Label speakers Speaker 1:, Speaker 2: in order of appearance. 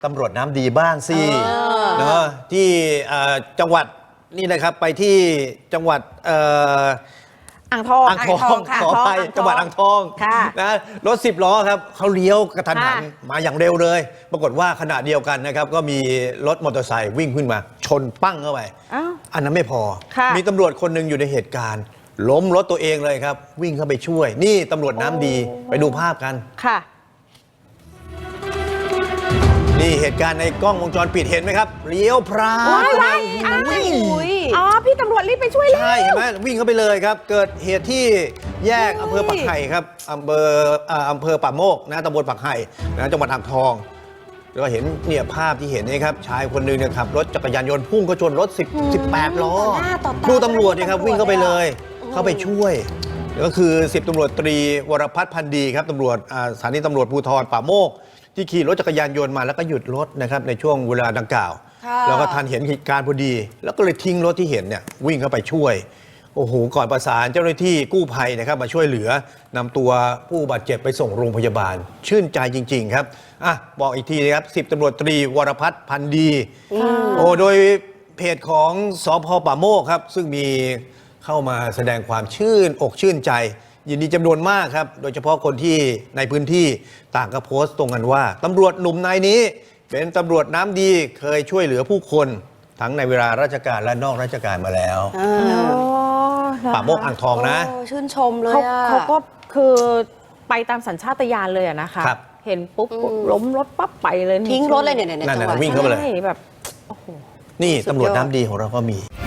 Speaker 1: ตำรวจน้ำดีบ้างสิเนาะที่จังหวัดนี่นะครับไปที่จังหวัด
Speaker 2: อ่างทอง
Speaker 1: ขออภัยจังหวัดอ่างทองนะรถ10 ล้อครับเขาเลี้ยวกระทันหันมาอย่างเร็วเลยปรากฏว่าขณะเดียวกันนะครับก็มีรถมอเตอร์ไซค์วิ่งขึ้นมาชนปั้งเข้าไปอันนั้นไม่พอมีตำรวจคนหนึ่งอยู่ในเหตุการณ์ล้มรถตัวเองเลยครับวิ่งเข้าไปช่วยนี่ตำรวจน้ำดีไปดูภาพกัน
Speaker 2: ค่ะ
Speaker 1: นี่เหตุการณ์ในกล้องวงจรปิดเห็นไหมครับเลี้ยวพราง
Speaker 2: อ๋อพี่ตำรวจรีบไปช่วยเลย
Speaker 1: ใช่เห็นไหมวิ่งเข้าไปเลยครับเกิดเหตุที่แยกอำเภอปักไห่ครับอำเภอป่าโมกนะตำบลปักไห่นะจังหวัดอ่างทองแล้วก็เห็นเนี่ยภาพที่เห็นนี่ครับชายคนหนึ่งเนี่ยขับรถจักรยานยนต์พุ่งก็ชนรถ18 ล้อดูตำรวจนี่ครับวิ่งเข้าไปเลยเข้าไปช่วยก็คือ10 ตำรวจตรีวรพัฒน์พันธ์ดีครับตำรวจสถานีตำรวจภูธรป่าโมกที่ขี่รถจักรยานยนต์มาแล้วก็หยุดรถนะครับในช่วงเวลาดังกล่าวแล้วก็ทันเห็นเหตุการณ์พอดีแล้วก็เลยทิ้งรถที่เห็นเนี่ยวิ่งเข้าไปช่วยโอ้โหก่อนประสานเจ้าหน้าที่กู้ภัยนะครับมาช่วยเหลือนำตัวผู้บาดเจ็บไปส่งโรงพยาบาลชื่นใจจริงๆครับบอกอีกทีนะครับ10 ตำรวจตรีวรพัฒน์พันธ์ดีโดยเพจของสภ.ป่าโมกครับซึ่งมีเข้ามาแสดงความชื่นอกชื่นใจยินดีจำนวนมากครับโดยเฉพาะคนที่ในพื้นที่ต่างก็โพสต์ตรงกันว่าตำรวจหนุ่มนายนี้เป็นตำรวจน้ำดีเคยช่วยเหลือผู้คนทั้งในเวลาราชการและนอกราชการมาแล้วป่าโมกอ่างทองนะ
Speaker 3: ชื่นชมเลย
Speaker 2: เขาก็คือไปตามสัญชาตญาณเลยนะคะเห็นปุ๊บล้มรถปั๊บไปเลย
Speaker 3: ทิ้งรถเลยเนี่ย
Speaker 1: นั่นวิ่งเข้าไปเลย
Speaker 2: แบบโอ้โห
Speaker 1: นี่ตำรวจน้ำดีของเราก็มี